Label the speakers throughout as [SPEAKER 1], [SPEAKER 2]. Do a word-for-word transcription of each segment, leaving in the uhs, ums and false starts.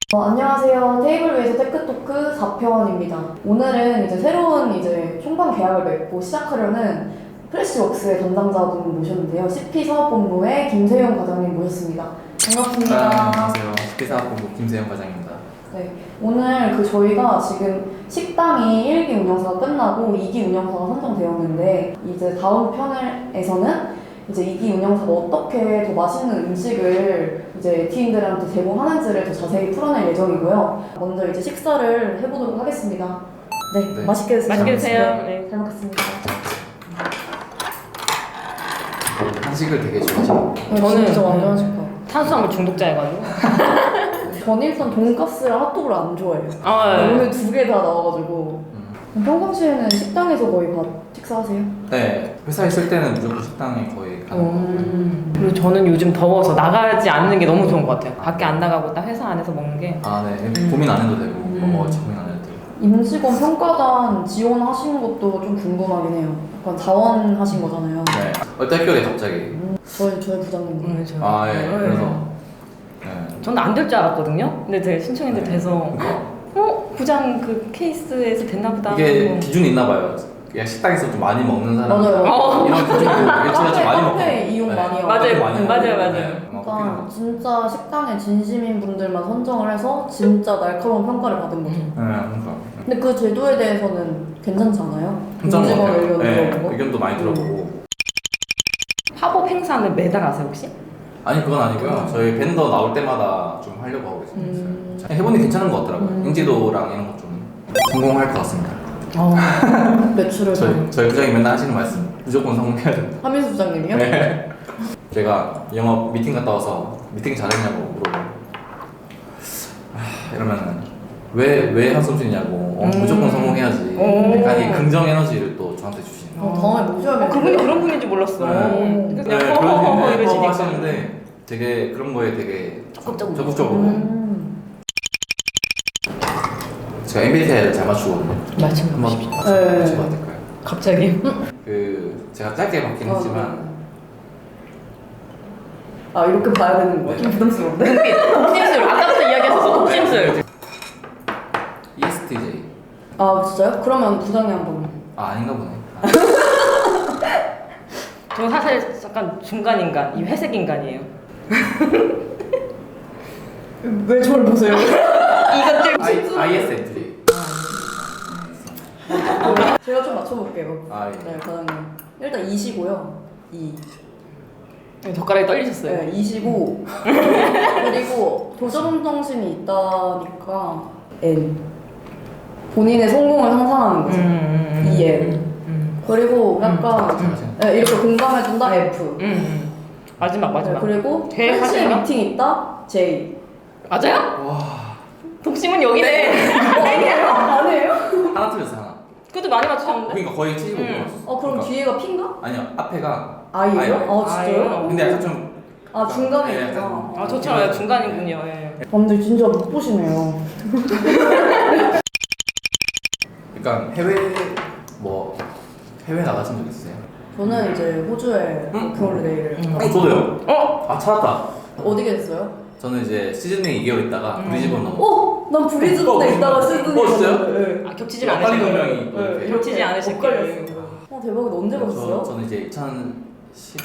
[SPEAKER 1] 어, 안녕하세요. 테이블 위에서 테크토크 사 편입니다. 오늘은 이제 새로운 이제 총방 계약을 맺고 시작하려는 프레시웍스의 담당자분 모셨는데요. 씨피 사업본부의 김세용 과장님 모셨습니다. 반갑습니다.
[SPEAKER 2] 아, 안녕하세요. 씨피 사업본부 김세용 과장입니다.
[SPEAKER 1] 네, 오늘 그 저희가 지금 식당이 일 기 운영사가 끝나고 이 기 운영사가 선정되었는데 이제 다음 편에서는 이제 이 기 운영사가 어떻게 더 맛있는 음식을 이제 팀들한테 제공하는지를 더 자세히 풀어낼 예정이고요. 먼저 이제 식사를 해보도록 하겠습니다. 네,
[SPEAKER 2] 네.
[SPEAKER 1] 맛있게 드세요.
[SPEAKER 3] 맛있게 드세요.
[SPEAKER 1] 네,
[SPEAKER 3] 네.
[SPEAKER 1] 잘 먹겠습니다.
[SPEAKER 2] 한식을 되게 좋아하시고
[SPEAKER 1] 네,
[SPEAKER 3] 저는
[SPEAKER 1] 진짜 완전 하실까.
[SPEAKER 3] 탄수화물 중독자여가지고.
[SPEAKER 1] 전 일단 돈가스랑 핫도그를 안 좋아해요.
[SPEAKER 3] 아, 네.
[SPEAKER 1] 오늘 두 개 다 나와가지고.
[SPEAKER 2] 음.
[SPEAKER 1] 평상시에는 식당에서 거의 밥 식사하세요?
[SPEAKER 2] 네, 회사에 있을 때는 무조건 식당에 거의 가는 것 같고요.
[SPEAKER 3] 음. 그리고 저는 요즘 더워서 나가지 않는 게 너무 좋은 것 같아요. 밖에 안 나가고 딱 회사 안에서 먹는 게.
[SPEAKER 2] 아, 네.
[SPEAKER 3] 음.
[SPEAKER 2] 고민 안 해도 되고
[SPEAKER 3] 음.
[SPEAKER 2] 뭐 먹을지 고민 안 해도 되고.
[SPEAKER 1] 임직원 평가단 지원하신 것도 좀 궁금하긴 해요. 약간 자원하신 거잖아요.
[SPEAKER 2] 네. 얼떨결에 갑자기
[SPEAKER 1] 음, 저희 저희 부장님.
[SPEAKER 3] 음, 저.
[SPEAKER 2] 아, 예.
[SPEAKER 3] 네.
[SPEAKER 2] 그래서 네.
[SPEAKER 3] 저는 안 될 줄 알았거든요. 근데 되게 신청했는데
[SPEAKER 2] 네.
[SPEAKER 3] 돼서
[SPEAKER 2] 그러니까
[SPEAKER 3] 어? 부장 그 케이스에서 됐나 보다.
[SPEAKER 2] 이게
[SPEAKER 3] 하고.
[SPEAKER 2] 기준이 있나 봐요. 그냥 식당에서 좀 많이 먹는 사람
[SPEAKER 1] 맞아요.
[SPEAKER 3] 어.
[SPEAKER 2] 이런 기준도 일치가 좀 많이 먹고
[SPEAKER 1] 카페 이용 많이 하고.
[SPEAKER 3] 맞아요.
[SPEAKER 2] 카페 많이
[SPEAKER 3] 음, 맞아요,
[SPEAKER 2] 먹고.
[SPEAKER 3] 맞아요.
[SPEAKER 2] 네. 막
[SPEAKER 1] 그러니까
[SPEAKER 2] 커피도
[SPEAKER 1] 진짜 식당에 진심인 분들만 선정을 해서 진짜 날카로운 평가를 받은 거죠.
[SPEAKER 3] 음.
[SPEAKER 2] 네, 그러니까.
[SPEAKER 1] 근데 그 제도에 대해서는 괜찮지 않아요?
[SPEAKER 2] 괜찮은 것
[SPEAKER 1] 임직원
[SPEAKER 2] 같아요.
[SPEAKER 1] 의견
[SPEAKER 2] 네,
[SPEAKER 1] 들어보고.
[SPEAKER 2] 의견도 많이 들어보고.
[SPEAKER 3] 팝업 행사는 매달 하세요 혹시?
[SPEAKER 2] 아니 그건 아니고요. 저희 밴더 나올 때마다 좀 하려고 하고 있어요.
[SPEAKER 1] 음.
[SPEAKER 2] 해보니 괜찮은 것 같더라고요.
[SPEAKER 1] 음.
[SPEAKER 2] 인지도랑 이런 거 좀 성공할 것 같습니다.
[SPEAKER 1] 어, 매출을 더.
[SPEAKER 2] 저희 저희 부장이 맨날 하시는 말씀 무조건 성공해야 된다.
[SPEAKER 1] 하민수 부장님이요?
[SPEAKER 2] 네. 제가 영업 미팅 갔다 와서 미팅 잘했냐고 물어보고 아, 이러면은 왜 왜 한숨 쉬냐고 어,
[SPEAKER 3] 음.
[SPEAKER 2] 무조건 성공해야지.
[SPEAKER 3] 오.
[SPEAKER 2] 약간 이 긍정 에너지를 또 저한테 주시는.
[SPEAKER 1] 어, 다음에 모셔야겠네요.
[SPEAKER 3] 어, 그분이 그런 분인지 몰랐어.
[SPEAKER 2] 네.
[SPEAKER 3] 그냥
[SPEAKER 2] 네,
[SPEAKER 3] 허허허허
[SPEAKER 2] 그런
[SPEAKER 3] 이러시니까.
[SPEAKER 2] 하시는데 되게 그런 거에 되게
[SPEAKER 3] 적극적으로.
[SPEAKER 2] 적극적으로.
[SPEAKER 1] 음.
[SPEAKER 2] 제가 엠비티아이를 잘 맞추거든요.
[SPEAKER 3] 맞춤
[SPEAKER 2] 한번
[SPEAKER 3] 보십시오.
[SPEAKER 1] 네.
[SPEAKER 2] 맞춰봐도 될까요?
[SPEAKER 3] 갑자기.
[SPEAKER 2] 그 제가 짧게 받긴
[SPEAKER 1] 어,
[SPEAKER 2] 했지만
[SPEAKER 1] 아 이렇게 봐야 되는 거야? 좀 부담스러운데?
[SPEAKER 3] 독심술. 아까부터 이야기하셔서 독심술.
[SPEAKER 2] 이에스티제이.
[SPEAKER 1] 아 진짜요? 그러면 부장님 한번.
[SPEAKER 2] 아 아닌가 보네.
[SPEAKER 3] 저는 사실 약간 중간 인간, 이 회색 인간이에요.
[SPEAKER 1] 왜 저를 보세요?
[SPEAKER 3] 이것들.
[SPEAKER 2] I, 아이에스에프제이.
[SPEAKER 1] 제가 좀 맞춰볼게요.
[SPEAKER 2] 아, 예.
[SPEAKER 1] 네, 과장님. 일단 이시고요. 이.
[SPEAKER 3] 젓가락이 떨리셨어요.
[SPEAKER 1] 네, 이시고. 그리고 도전 정신이 있다니까 N. 본인의 성공을 상상하는 거죠.
[SPEAKER 3] 음,
[SPEAKER 1] 이 N.
[SPEAKER 3] 음,
[SPEAKER 1] 그리고 약간
[SPEAKER 2] 음.
[SPEAKER 1] 네, 이렇게 공감해준다 F.
[SPEAKER 3] 음, 음. 마지막 마지막.
[SPEAKER 1] 네, 그리고
[SPEAKER 3] 대
[SPEAKER 1] 한시
[SPEAKER 3] 하시나요?
[SPEAKER 1] 미팅 있다 J.
[SPEAKER 3] 맞아요?
[SPEAKER 2] 와
[SPEAKER 3] 독심은 여기네.
[SPEAKER 1] 아니에요? 아니에요?
[SPEAKER 2] 하나 틀렸어 하나.
[SPEAKER 3] 그것도 많이 맞추셨는데.
[SPEAKER 2] 그러니까 거의 칠십오 분
[SPEAKER 3] 음.
[SPEAKER 2] 맞췄어.
[SPEAKER 1] 어 그럼
[SPEAKER 2] 그러니까.
[SPEAKER 1] 뒤에가 P인가?
[SPEAKER 2] 아니요 앞에가
[SPEAKER 1] I예요?
[SPEAKER 2] 아이예요.
[SPEAKER 1] 아 진짜요?
[SPEAKER 3] 아이예요?
[SPEAKER 2] 근데 약간 좀
[SPEAKER 1] 아 중간에
[SPEAKER 2] 네,
[SPEAKER 1] 있구나.
[SPEAKER 2] 약간-
[SPEAKER 3] 아 저처럼 중간이군요. 예.
[SPEAKER 1] 아, 근데 진짜 못 보시네요.
[SPEAKER 2] 그러니까 해외 뭐 해외 나가신 적 있어요?
[SPEAKER 1] 저는 이제 호주에
[SPEAKER 2] 음.
[SPEAKER 1] 워킹홀리데이를
[SPEAKER 3] 음.
[SPEAKER 2] 어 저도요.
[SPEAKER 3] 어?
[SPEAKER 2] 아 찾았다.
[SPEAKER 1] 어디 계셨어요?
[SPEAKER 2] 저는 이제 시드니 이 개월 있다가
[SPEAKER 3] 음.
[SPEAKER 2] 브리즈번 넘어.
[SPEAKER 1] 어? 난 브리즈번에
[SPEAKER 2] 어,
[SPEAKER 1] 있다가
[SPEAKER 2] 어,
[SPEAKER 1] 시드니
[SPEAKER 2] 어, 진짜요?
[SPEAKER 1] 갔는데, 네.
[SPEAKER 3] 아 겹치지
[SPEAKER 2] 약간
[SPEAKER 3] 않으실 거예요.
[SPEAKER 2] 분명히 또 이렇게.
[SPEAKER 3] 겹치지 않으실 거예요.
[SPEAKER 1] 엇갈렸어요. 어 대박이다. 언제 가셨어요?
[SPEAKER 2] 저, 저는 이제 이천십이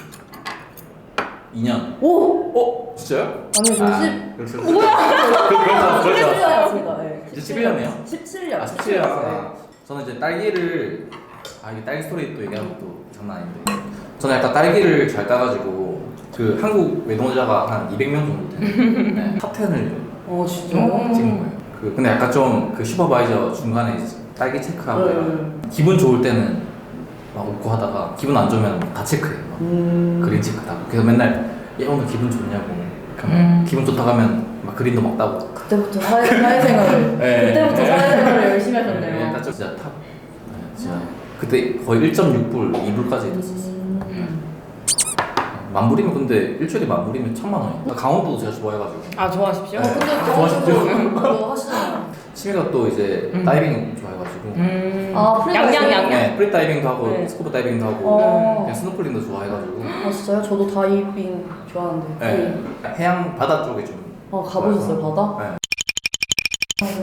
[SPEAKER 2] 년.
[SPEAKER 1] 오!
[SPEAKER 2] 어 진짜요?
[SPEAKER 1] 아니 저
[SPEAKER 2] 아,
[SPEAKER 1] 십...
[SPEAKER 2] 그렇죠. 뭐야? 그렇죠.
[SPEAKER 1] 십칠
[SPEAKER 2] 그렇죠.
[SPEAKER 1] 년이었습니다. 네.
[SPEAKER 2] 이제 십일 년이에요?
[SPEAKER 1] 십칠 년.
[SPEAKER 2] 아 십칠 년. 아, 저는 이제 딸기를 아 이게 딸기 스토리 또 얘기하면 또 장난 아닌데 저는 약간 딸기를 잘 따가지고 그 한국 외동자가 한 이백 명 정도 되는 네, 탑 텐을
[SPEAKER 1] 어 진짜요?
[SPEAKER 3] 음.
[SPEAKER 2] 찍은 거예요. 그 근데 약간 좀 그 슈퍼바이저 중간에 이제 딸기 체크하고
[SPEAKER 1] 네.
[SPEAKER 2] 기분 좋을 때는 막 웃고 하다가 기분 안 좋으면 다 체크해요. 막
[SPEAKER 1] 음...
[SPEAKER 2] 그린 체크다. 그래서 맨날 얘 오늘 기분 좋냐고. 그러면
[SPEAKER 3] 음.
[SPEAKER 2] 기분 좋다 가면 막 그린도 막 따고.
[SPEAKER 1] 그때부터 사회, 사회생활을
[SPEAKER 2] 네.
[SPEAKER 1] 그때부터
[SPEAKER 2] 네.
[SPEAKER 1] 사회생활을 열심히
[SPEAKER 2] 네,
[SPEAKER 1] 하셨네요.
[SPEAKER 2] 약간 좀 진짜 탑. 네, 진짜 그때 거의 일 점 육 불, 이 불까지 됐었어.
[SPEAKER 1] 음...
[SPEAKER 2] 만불이면 근데 일주일에 만불이면 천만 원이야. 강원도도 제가 좋아해가지고.
[SPEAKER 3] 아 좋아하십시오.
[SPEAKER 1] 어 근데
[SPEAKER 2] 아,
[SPEAKER 1] 좋아하시죠?
[SPEAKER 2] 좋아하시죠?
[SPEAKER 1] 그거 하시잖아요.
[SPEAKER 2] 취미가 또 이제
[SPEAKER 3] 음.
[SPEAKER 2] 다이빙 좋아해가지고.
[SPEAKER 3] 음.
[SPEAKER 1] 아, 프리다이빙?
[SPEAKER 3] 양양 양양.
[SPEAKER 2] 네, 프리 다이빙도 하고
[SPEAKER 3] 네.
[SPEAKER 2] 스쿠버 다이빙도 하고
[SPEAKER 1] 어.
[SPEAKER 2] 그냥 스노클링도 좋아해가지고.
[SPEAKER 1] 아 진짜요? 저도 다이빙 좋아하는데.
[SPEAKER 2] 네, 해양 바다 쪽에 좀.
[SPEAKER 1] 어 가보셨어요
[SPEAKER 2] 좋아해서.
[SPEAKER 1] 바다?
[SPEAKER 2] 네.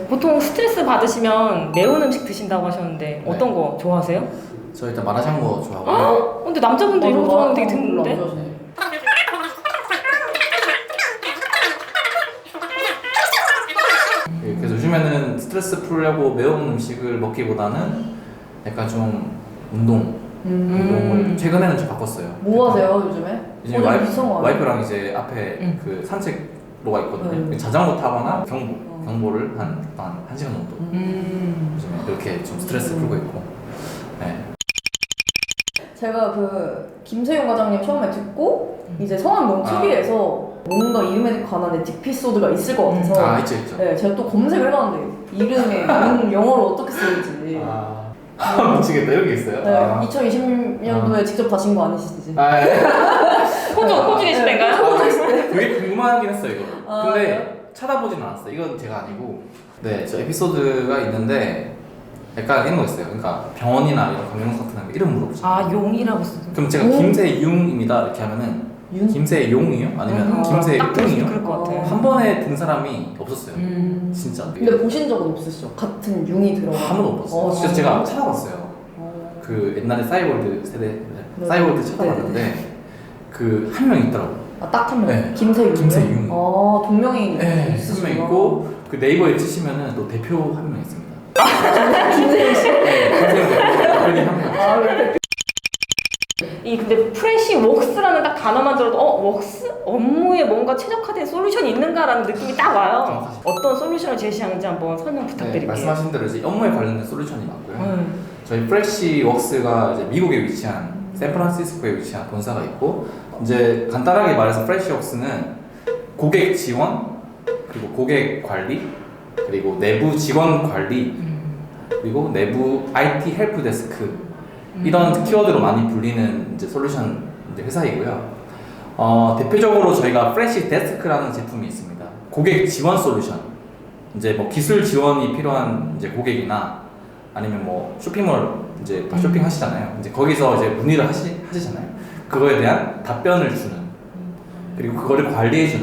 [SPEAKER 3] 보통 스트레스 받으시면 매운 음식 드신다고 하셨는데 어떤 거 좋아하세요?
[SPEAKER 2] 저 일단 마라샹궈 좋아하고요.
[SPEAKER 3] 어, 근데 남자분들 이런 거 좋아하는 거 되게 드문데?
[SPEAKER 2] 예, 그래서 요즘에는 스트레스 풀려고 매운 음식을 먹기보다는 약간 좀 운동, 운동을
[SPEAKER 3] 음.
[SPEAKER 2] 최근에는 좀 바꿨어요.
[SPEAKER 1] 뭐 하세요 요즘에?
[SPEAKER 2] 이제
[SPEAKER 1] 어,
[SPEAKER 2] 와이프,
[SPEAKER 1] 비싼 거 아니에요?
[SPEAKER 2] 와이프랑 이제 앞에
[SPEAKER 3] 음.
[SPEAKER 2] 그 산책로가 있거든요.
[SPEAKER 1] 음.
[SPEAKER 2] 자전거 타거나 경보,
[SPEAKER 1] 어.
[SPEAKER 2] 경보를 한, 한, 한 시간 정도
[SPEAKER 3] 음.
[SPEAKER 2] 요즘에 이렇게 좀 스트레스
[SPEAKER 1] 음.
[SPEAKER 2] 풀고 있고. 네.
[SPEAKER 1] 제가 그 김세용 과장님 처음에 듣고 이제 성함이 너무
[SPEAKER 2] 아.
[SPEAKER 1] 특이해서 뭔가 이름에 관한 에피소드가 있을 것 같아서
[SPEAKER 2] 아, 있죠, 있죠.
[SPEAKER 1] 네, 제가 또 검색을 해봤는데 이름에 영- 영어로 어떻게 쓰는지
[SPEAKER 2] 아, 미치겠다. 이런 게 있어요?
[SPEAKER 1] 네,
[SPEAKER 2] 아.
[SPEAKER 1] 이천이십 년도에 직접 다신 거 아니시지?
[SPEAKER 2] 아, 예.
[SPEAKER 3] 호주, 호주 계실 때인가요?
[SPEAKER 2] 아, 되게 궁금하긴 했어요, 이거.
[SPEAKER 1] 아,
[SPEAKER 2] 근데
[SPEAKER 1] 그래요?
[SPEAKER 2] 찾아보진 않았어요. 이건 제가 아니고. 네, 저 에피소드가 있는데 약간 이런 거 있어요. 그러니까 병원이나 이런 관계명사 같은 거 이름 물어보죠.
[SPEAKER 3] 아, 용이라고 쓰죠.
[SPEAKER 2] 그럼 제가
[SPEAKER 1] 용?
[SPEAKER 2] 김세용입니다 이렇게 하면은
[SPEAKER 1] 윤?
[SPEAKER 2] 김세용이요? 아니면
[SPEAKER 1] 음,
[SPEAKER 2] 김세용이요?
[SPEAKER 3] 딱 들으시면 그럴 것 같아요.
[SPEAKER 2] 한 번에 든 사람이 없었어요.
[SPEAKER 3] 음.
[SPEAKER 2] 진짜.
[SPEAKER 1] 근데 보신 적은 없으시죠? 같은 융이 들어가
[SPEAKER 2] 한 번도 없었어요.
[SPEAKER 1] 어,
[SPEAKER 2] 그래서
[SPEAKER 1] 진짜?
[SPEAKER 2] 제가 찾아봤어요.
[SPEAKER 1] 어.
[SPEAKER 2] 그 옛날에 싸이월드 세대
[SPEAKER 1] 네.
[SPEAKER 2] 싸이월드
[SPEAKER 1] 네.
[SPEAKER 2] 찾아봤는데 그 한 명 있더라고.
[SPEAKER 1] 아, 딱 한 명?
[SPEAKER 2] 네.
[SPEAKER 1] 김세윤?
[SPEAKER 2] 김세윤.
[SPEAKER 1] 아, 동명이인
[SPEAKER 2] 네, 한
[SPEAKER 1] 있으시구나.
[SPEAKER 2] 명 있고 그 네이버에 치시면은 또 대표 한 명 있습니다.
[SPEAKER 1] 김세윤 씨?
[SPEAKER 2] 네, 김세용 대표님 한 명.
[SPEAKER 1] 아, 그래.
[SPEAKER 3] 이 근데 프레시 웍스라는 딱 단어만 들어도 어 웍스 업무에 뭔가 최적화된 솔루션이 있는가라는 느낌이 딱 와요.
[SPEAKER 2] 정확하시죠.
[SPEAKER 3] 어떤 솔루션을 제시하는지 한번 설명
[SPEAKER 2] 네,
[SPEAKER 3] 부탁드릴게요.
[SPEAKER 2] 말씀하신 대로 이제 업무에 관련된 솔루션이 많고요.
[SPEAKER 3] 음.
[SPEAKER 2] 저희 프레시 웍스가 이제 미국에 위치한 샌프란시스코에 위치한 본사가 있고 이제 간단하게 말해서 프레시 웍스는 고객 지원 그리고 고객 관리 그리고 내부 직원 관리
[SPEAKER 3] 음.
[SPEAKER 2] 그리고 내부 아이티 헬프 데스크 이런 키워드로 많이 불리는 이제 솔루션 이제 회사이고요. 어, 대표적으로 저희가 프레시 데스크라는 제품이 있습니다. 고객 지원 솔루션. 이제 뭐 기술 지원이 필요한 이제 고객이나 아니면 뭐 쇼핑몰 이제 다 쇼핑하시잖아요. 이제 거기서 이제 문의를 하시, 하시잖아요. 그거에 대한 답변을 주는 그리고 그거를 관리해주는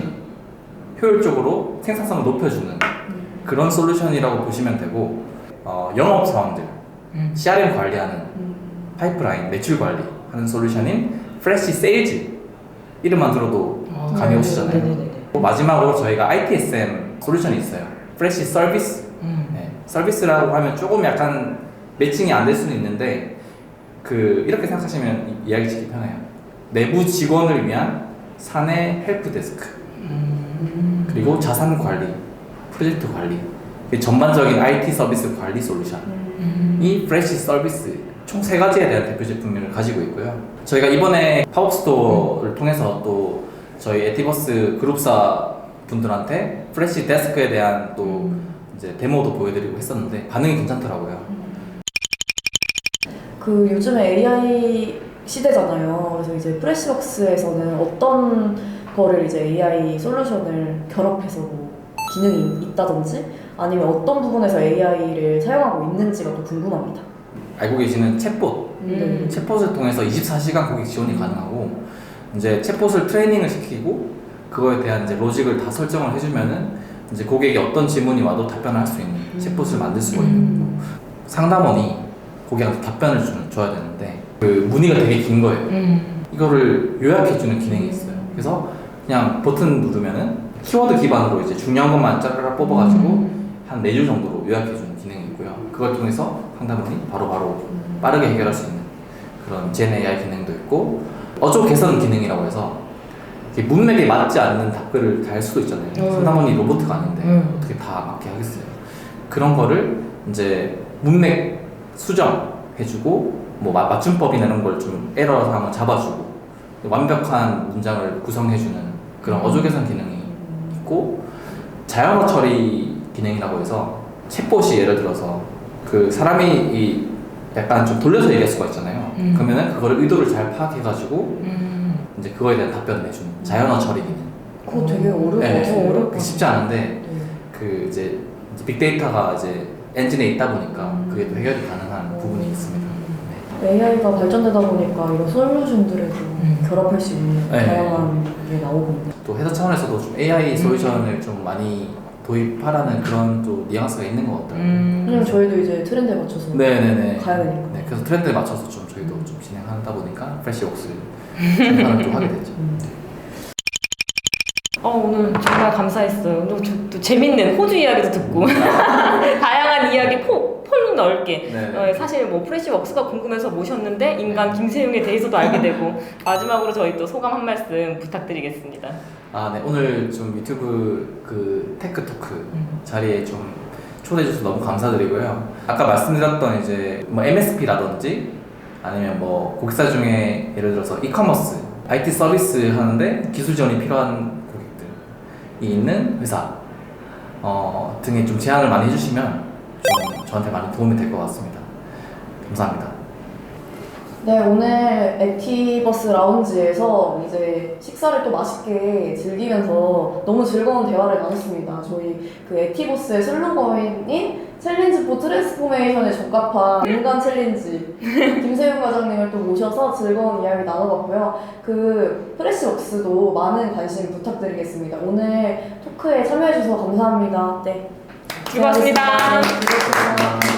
[SPEAKER 2] 효율적으로 생산성을 높여주는 그런 솔루션이라고 보시면 되고 어, 영업 사원들
[SPEAKER 3] 음.
[SPEAKER 2] 씨알엠 관리하는 파이프라인 매출 관리 하는 솔루션인 프레시 세일즈 이름만 들어도
[SPEAKER 3] 아,
[SPEAKER 2] 감이 오시잖아요.
[SPEAKER 3] 네네네.
[SPEAKER 2] 또 마지막으로 저희가 아이티에스엠 솔루션이 있어요. 프레시 서비스.
[SPEAKER 3] 음.
[SPEAKER 2] 네, 서비스라고 하면 조금 약간 매칭이 안 될 수는 있는데 그 이렇게 생각하시면 이- 이야기 짓기 편해요. 내부 직원을 위한 사내 헬프 데스크
[SPEAKER 3] 음.
[SPEAKER 2] 그리고 자산 관리, 프로젝트 관리 그 전반적인 아이티 서비스 관리 솔루션이
[SPEAKER 3] 음.
[SPEAKER 2] 프레시 서비스 총 세 가지에 대한 대표 제품을 가지고 있고요. 저희가 이번에 팝업 스토어를 통해서 또 저희 에티버스 그룹사 분들한테 프레시 데스크에 대한 또 이제 데모도 보여드리고 했었는데 반응이 괜찮더라고요.
[SPEAKER 1] 그 요즘에 에이아이 시대잖아요. 그래서 이제 프레시웍스에서는 어떤 거를 이제 에이아이 솔루션을 결합해서 뭐 기능이 있다든지 아니면 어떤 부분에서 에이아이를 사용하고 있는지가 또 궁금합니다.
[SPEAKER 2] 알고 계시는 챗봇,
[SPEAKER 3] 음.
[SPEAKER 2] 챗봇을 통해서 이십사 시간 고객 지원이 가능하고 이제 챗봇을 트레이닝을 시키고 그거에 대한 이제 로직을 다 설정을 해주면은 이제 고객이 어떤 질문이 와도 답변을 할 수 있는 챗봇을 만들 수가 있는 거고 상담원이 고객한테 답변을 주는, 줘야 되는데 그 문의가 되게 긴 거예요.
[SPEAKER 3] 음.
[SPEAKER 2] 이거를 요약해주는 기능이 있어요. 그래서 그냥 버튼 누르면은 키워드 기반으로 이제 중요한 것만 짜르르 뽑아가지고 한 네 줄 정도로 요약해주는 기능이 있고요. 그걸 통해서 상담원이 바로바로 빠르게 해결할 수 있는 그런 젠 에이아이 기능도 있고 어조 개선 기능이라고 해서 이렇게 문맥에 맞지 않는 답글을 달 수도 있잖아요.
[SPEAKER 3] 음.
[SPEAKER 2] 상담원이 로봇가 아닌데
[SPEAKER 3] 음.
[SPEAKER 2] 어떻게 다 맞게 하겠어요. 그런 거를 이제 문맥 수정해주고 뭐 마- 맞춤법이나 이런 걸 좀 에러 사항을 잡아주고 완벽한 문장을 구성해주는 그런 어조 개선 기능이 있고 자연어 처리 기능이라고 해서 챗봇이 예를 들어서 그 사람이 이 약간 좀 돌려서 얘기할 수가 있잖아요.
[SPEAKER 3] 음.
[SPEAKER 2] 그러면은 그거를 의도를 잘 파악해가지고
[SPEAKER 3] 음.
[SPEAKER 2] 이제 그거에 대한 답변을 해주는 자연어 처리 기능.
[SPEAKER 1] 그거 되게 어려울 것
[SPEAKER 2] 네,
[SPEAKER 1] 같아요.
[SPEAKER 3] 어려울 것
[SPEAKER 2] 그게 쉽지 않은데
[SPEAKER 1] 네.
[SPEAKER 2] 그 이제 빅데이터가 이제 엔진에 있다 보니까
[SPEAKER 1] 음.
[SPEAKER 2] 그게 또 해결이 가능한 부분이 있습니다. 네.
[SPEAKER 1] 에이아이가 발전되다 보니까 이런 솔루션들에도
[SPEAKER 3] 음.
[SPEAKER 1] 결합할 수 있는
[SPEAKER 2] 네.
[SPEAKER 1] 다양한 게 나오거든요.
[SPEAKER 2] 또 회사 차원에서도 좀 에이아이 솔루션을 좀 많이 도입하라는 그런 또 뉘앙스가 있는 것 같더라고요.
[SPEAKER 3] 음.
[SPEAKER 1] 왜냐면 저희도 이제 트렌드에 맞춰서
[SPEAKER 2] 네네네.
[SPEAKER 1] 가야 되니까.
[SPEAKER 2] 네, 그래서 트렌드에 맞춰서 좀 저희도 좀 진행하다 보니까 프레시웍스 진행을 좀 하게 됐죠.
[SPEAKER 3] 어, 오늘 정말 감사했어요. 오늘 저- 또 재밌는 호주 이야기도 듣고 다양한 이야기 폭, 폭 넓게
[SPEAKER 2] 네.
[SPEAKER 3] 어, 사실 뭐 프레시웍스가 궁금해서 모셨는데 인간 김세용에 대해서도 알게 되고 마지막으로 저희 또 소감 한 말씀 부탁드리겠습니다.
[SPEAKER 2] 아, 네. 오늘 좀 유튜브 그 테크 토크 자리에 좀 초대해 주셔서 너무 감사드리고요. 아까 말씀드렸던 이제 뭐 엠에스피라든지 아니면 뭐 고객사 중에 예를 들어서 이커머스, 아이티 서비스 하는데 기술 지원이 필요한 고객들이 있는 회사 어, 등에 좀 제안을 많이 해주시면 좀 저한테 많이 도움이 될 것 같습니다. 감사합니다.
[SPEAKER 1] 네, 오늘 액티버스 라운지에서 이제 식사를 또 맛있게 즐기면서 너무 즐거운 대화를 나눴습니다. 저희 그 액티버스의 슬로건인 챌린지 포 트랜스포메이션에 적합한 인간 챌린지 김세윤 과장님을 또 모셔서 즐거운 이야기 나눠봤고요. 그 프레시웍스도 많은 관심 부탁드리겠습니다. 오늘 토크에 참여해주셔서 감사합니다. 네.
[SPEAKER 3] 수고하셨습니다.
[SPEAKER 1] 네, 수고하셨습니다.